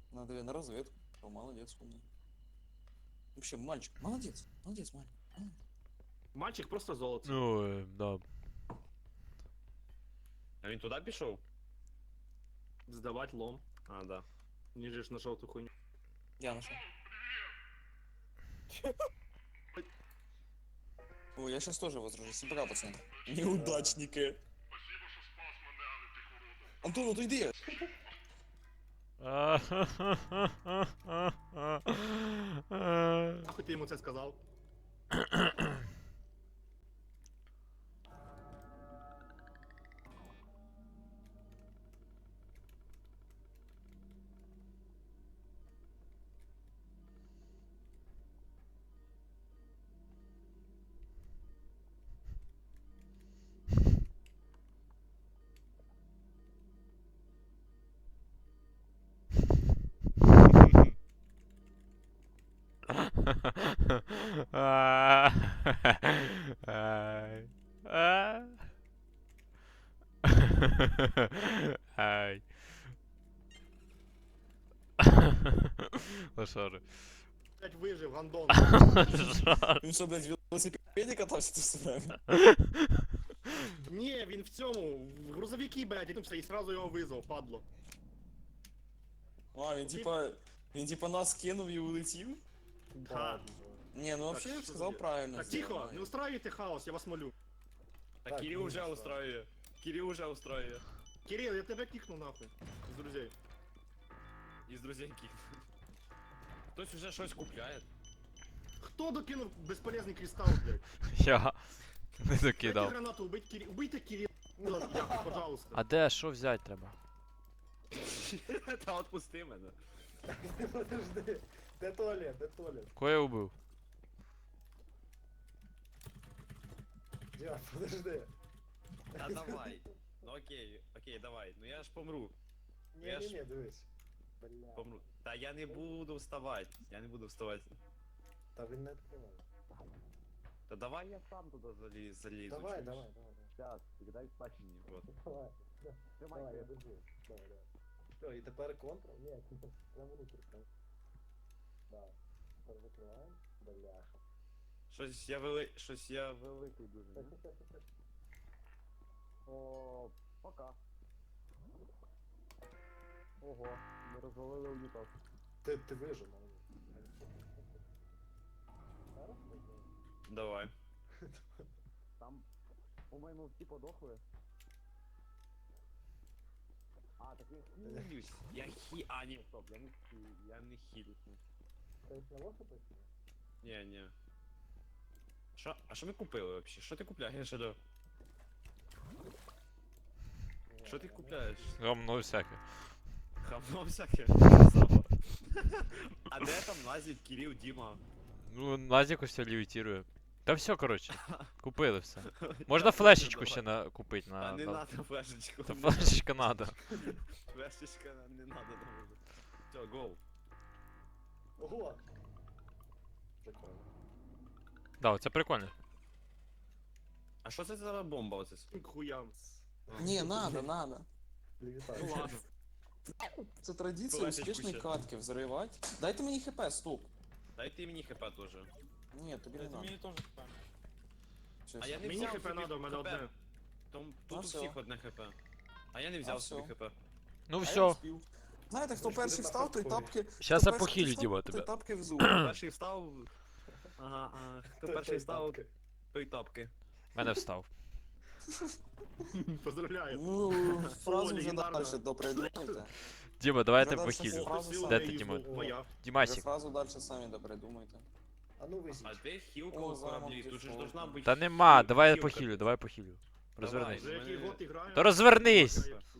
Надо на разведку. О, молодец, умный. Вообще, мальчик, молодец, молодец, мальчик. Мальчик просто золото. Ну, да. А він туди пішов? Сдавать лом. А, да. Ниже ж на желтую хуйню. Я нашел. Ой, я сейчас тоже возражусь. Пока, пацаны. Неудачники. Антон, отойди! Нахуй ты ему это сказал? Ай. Лошары. Блять, выжив, гандон. Він що, блядь, в велосипеді катався тут все время? Не, він в цьому, в грузовики, блядь, і сразу його визвав, падло. А, він типа нас кинув і улетів? Да. Не, ну вообще я що б сказав за- правильно. Так, тихо, не устраивайте хаос, я вас молю. Та Так, Кирил ну, уже що? устроює. Кирил уже устроює. Кирилл, я тебя кикнул нахуй. Из друзей. Із друзей кіт. Хтось уже щось купляє. Кто докинул бесполезный кристалл, блядь? Я не Дайте докидав. гранату, убейте Кирилла, пожалуйста. А де, що взяти треба? Та отпусти мене. Подожди. Де туалет, де туалет? Кого я убив? Діма, подожди. Та давай. Ну окей, давай. Ну я ж помру. Я ж- Ні, дивись. Бля. Помру. Та я не буду вставати. Я не буду вставати. Та він не відкриває. Та давай я сам туди залізу. Давай, чуєш? давай, давай. Щас, дай спать мені. Вот. Давай, Тримай. давай, я держу. Давай, давай. Все, і тепер контр? Ні, прямо внутрь. Да. Тепер закриваємо. Бляха. Щось я великий дуже. Так, ні? так, так, так. О, пока. Ого, ми розвалили унітаз. Ти вижив, мабуть. Зараз вижив. Давай. Там, по-моєму, всі подохли. А, так я хилюсь. А, ні, стоп, я не хилюсь. Ти знову що пишеш? Ні. А що ми купили вообще? Що ти купляєш, Адо? Що ти купляєш? Гамно всяке. Хавно всяке. А де там Назік, Кирил, Діма? Ну, Назік ось левітирує. Та все, коротше. Купили все. Можна флешечку ще купити А не на... надо флешечку. Та флешечка надо. Флешечка не надо нам уже. Все, гол. Ого! Прикольно. Да, це прикольно. А що це за бомба оце? К хуям. Ні, надо. Ну Вітаю. ладно. Це традиція Флешечку успішної ще. катки взривати. Дайте мені хп, стук. Дайте мені хп теж. Ні, тобі не надо. Щас. А я не Мені взяв хп собі надо, у мене хп. одне. Тут А у всё. всіх одне хп. А я не взяв собі всё. хп. Ну А я все. вспів. Знаєте, хто Ми ж перший будемо встав, той хардкорі. тапки... Щас хто я перший похилю, встав, Діма, той тебе. тапки взув. Перший встав. Ага, хто Той перший встав, тапки. той тапки. Мене встав. Поздравляю. Ну, фразу вже легендарно. далі допридумайте. Діма, давай я Ну, тебе дальше похилю. фразу Сила Де моя ти, із Діма? моя. Ви Дімасік. фразу далі самі допридумайте. А ну визіть. А де хілка О, у кораблі? замок Тут же ж пішов. должна бути. Та нема, давай я хілка. похилю, давай похилю. Розвернись. За який год граю? Та розвернись!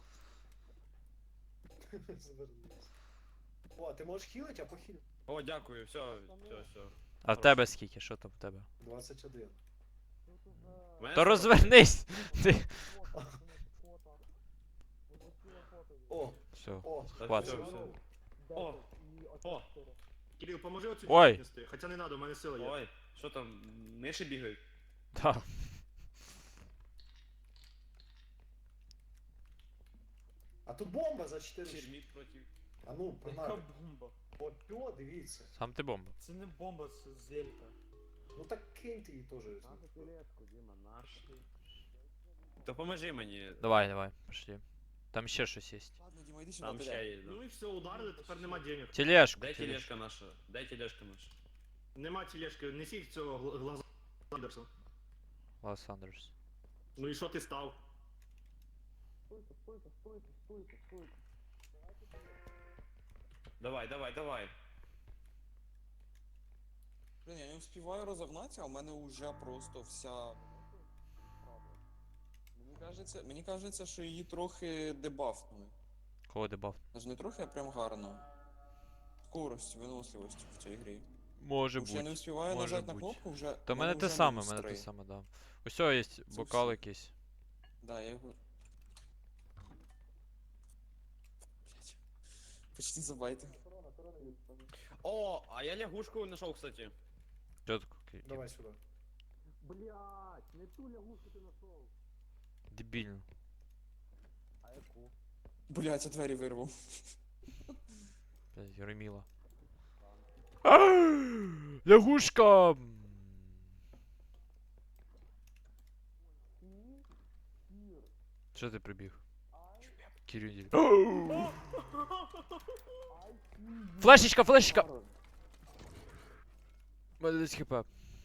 Звернись. О, ти можеш хілити, а похиль. О, дякую, все. А в тебе скільки? Що там в тебе? 21. То розвернись! Ти... О, Все. о, Хватить. О, Кирилл, поможи оцю Ой. дівчину нести. Хоча не надо, у мене сила є. ой, що там, миші бігають? Да. а тут бомба за 4. Терміт проти. А ну, Яка погнали. бомба? О, дивіться. Сам ти бомба. Це не бомба, це зелька. Ну так киньте її теж. То поможи мені. Давай, давай, пошли. Там ще щось є. Ладно, Діма, йди сюди, Там ще піде. є. Ну і все, ударили, тепер нема денег. Тележку, Де тележку. тележка наша? Де тележка наша? Нема тележки, несіть цього глаза Андерса. Лос Андерс. Ну і що ти став? Давай, давай, давай. Блін, я не встигаю розогнатися, а в мене вже просто вся... Мені кажеться, що її трохи дебафнули. Кого дебаф? Аж не трохи, а прям гарно. Скорость, виносливість в цій грі. Може Тому що я не бути. встигаю може нажати на буть. кнопку, вже... Та в мене те вже саме, мінус в мене те 3. саме, да. Усьо є бокал все. якийсь. Да, я його... Блять. Почти забайтив. О, а я лягушку знайшов, кстати. Чотко. Давай сюди. Блять, не ту лягушку ти знайшов. Дебільно. А яку? Блять, я двері вирвав. Блядь, Реміла. Лягушка! Що ти прибіг? Кирюділь. Флешечка, флешечка! Мене десь хп.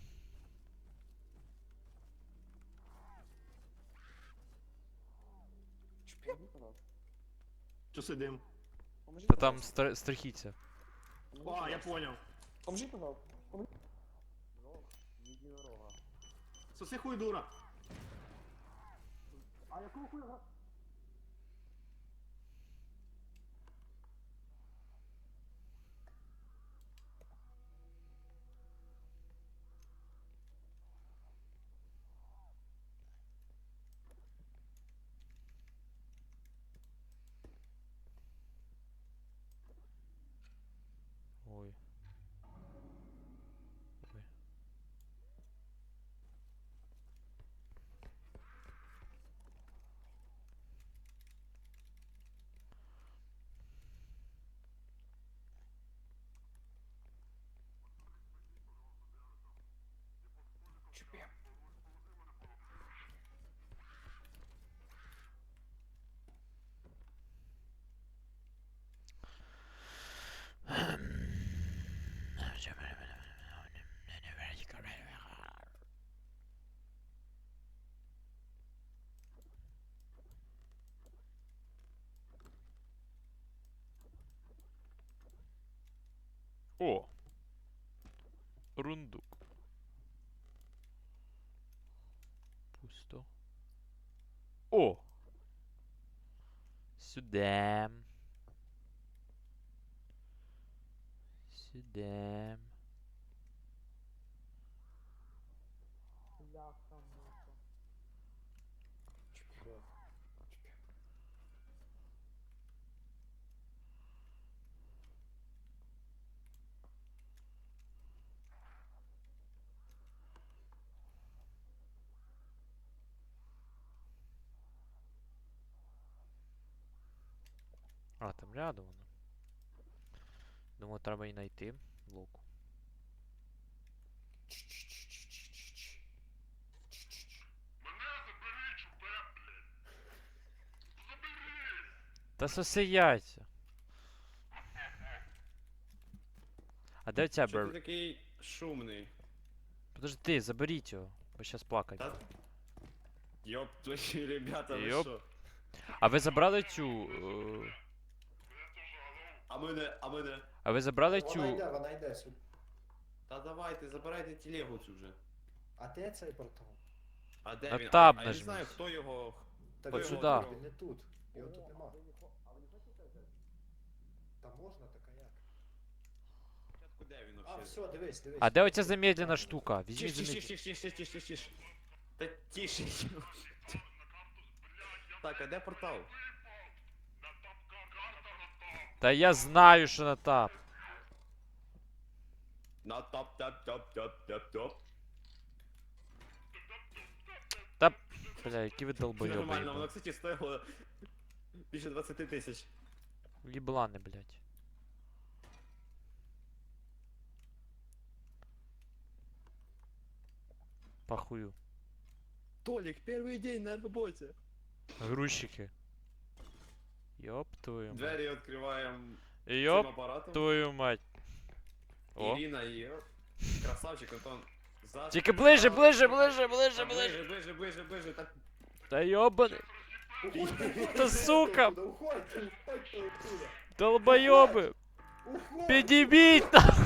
Що сидим? Та там страхіться. А, я понял. Поможи, пожалуйста. Соси хуй дура. А якого хуя? Ой. Ой. О! Рундук. Пусто. О! Сюда. Сюда. А, там рядом воно. Думаю, треба і знайти блоку. Та соси яйця. А де ця Що ти бер... такий шумний? Подожди, заберіть його, бо щас плакать. Та... Йоп, твої ребята, ви Йоп. що? А ви забрали цю... А мене? А ви забрали Вона йде сюди. Та давайте, забирайте телегу цю вже. А де цей портал? А де На він? таб А я не нажміть. знаю, хто його... Так От він сюди. Він не тут. Його тут нема. Та можна, так а як? Спочатку де він А, вообще? все, дивись. А де оця замедлена штука? Тише, Візьміть тише, замедлена. тише, тише, тише, тише, тише. Та тише. Так, а де портал? Та я знаю, що на тап. На топ. Та, бля, які ви Нормально, воно, долбойоби. кстати, стоїло більше 20 тисяч. Їблани, блядь. Похую. Толик, первый день на работе. Грузчики. Ёб твою мать. Двери открываем Ёб цим апаратом. твою мать. О. Ирина и красавчик Антон. За... Тільки ближе, ближе, ближе, Да, ближе, ближе. ближе. Так, Та ёбаний. Та сука, Да уходьте, уходьте оттуда. долбойоби. Уходьте. Підібіть нахуй.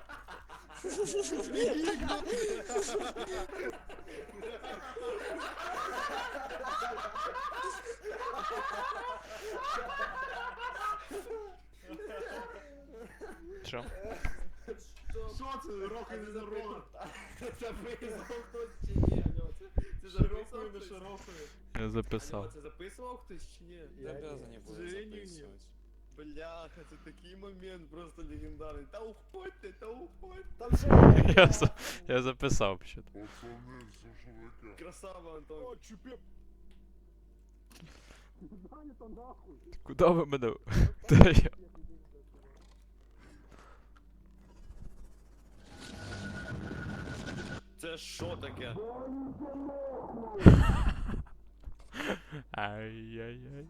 Що? Що це? Рок і не рок. це записував хтось чи ні? Алло, це записував Широкою, не хтось? широкою. Я Алло, записав. це записував хтось чи ні? Я обязан не К буду сожалению, записывать. Бляха, це такий момент просто легендарний. Та уходьте, та уходьте. Там ще Я записав що. Красава, Антон. Куда ви мене? Та я. Це що таке? Ай-яй-яй.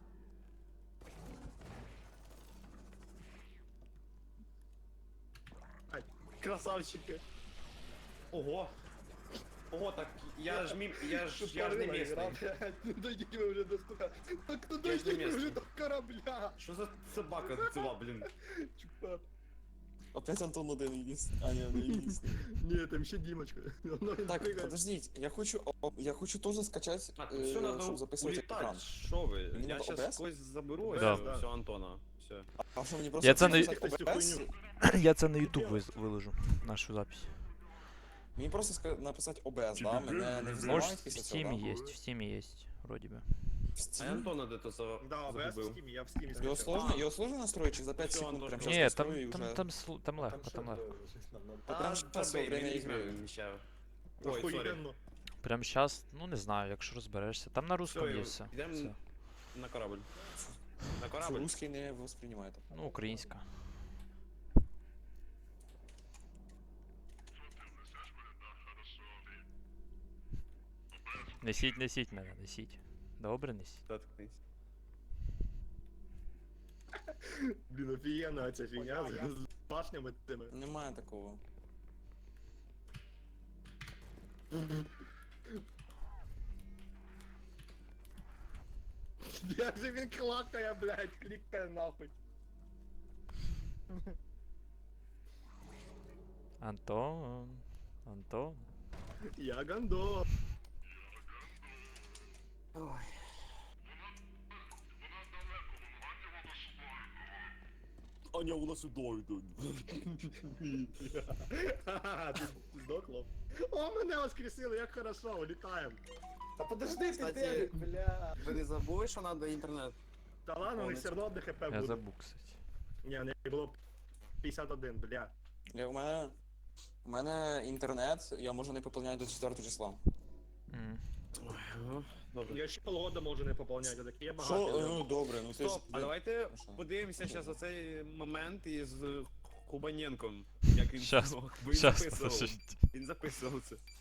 Красавчики. Ого. Ого, так я ж не місний. Ну дойдіть ви вже до стука. Так ну Я ж не дойдіть ви вже місний. до корабля. Що за собака ціла, блін? Чупа. Опять Антон один единственный. А, не, не единственный. Ні, там ще Дімочка. Воно він Так, пригає. подождите, я хочу тоже скачать, Так, все чтобы надо записывать улітати. экран. Що ви? Мені Я надо щас OBS? когось заберу, Да. ось все, Антона. Все. А что, мне просто Я це не- записать Цю OBS? хуйню. Я це на YouTube виложу, нашу запись. Мне просто написать OBS, да? Мене не Может, взломають в після цього, Steam да? есть, в Steam есть, вроде бы. В А Steam? Антона де то Да, ОБС в загубив? Steam, я в Steam Его скачав. сложно настроить, чи за 5 Всё, секунд Антон, прям всё. сейчас Ні, настрою и там уже... там легко, там легко. прям щас во время игры. Вміщаю. Ой, сорі. Охуєнно. Прям сейчас, ну не знаю, якщо розберешся. Там на русском Всё, є все. йдем все. на корабль. На Что корабль. русский не воспринимает. Ну, українська. Несіть мене, несіть. Добре, несіть. Заткнись. Блін, офігенна ця фігня з башнями тими. Немає такого. Як же він клакає, блядь, клікає нахуй. Антон. Антон. Я гандо. Аня, у нас сюди йдуть. Ха-ха, ти здохло. О, мене воскресили, як хорошо, улітаємо. Та подожди ти, Кстати, Девід, бля. Ви не забули, що треба інтернет? Та ладно, у них все одно одне хп Я буде. забув, кстати. Ні, не було 51, бля. У мене інтернет, я можу не поповняти до 4 числа. М. Добре. Я ще полгода можу не поповняти, так я Що? багато. Ну добре, ну ти ж... Стоп, а давайте Хорошо. подивимося зараз оцей момент із Кубаненком. Як він Щас, бо він Щас, записував. подожди. Він записував це.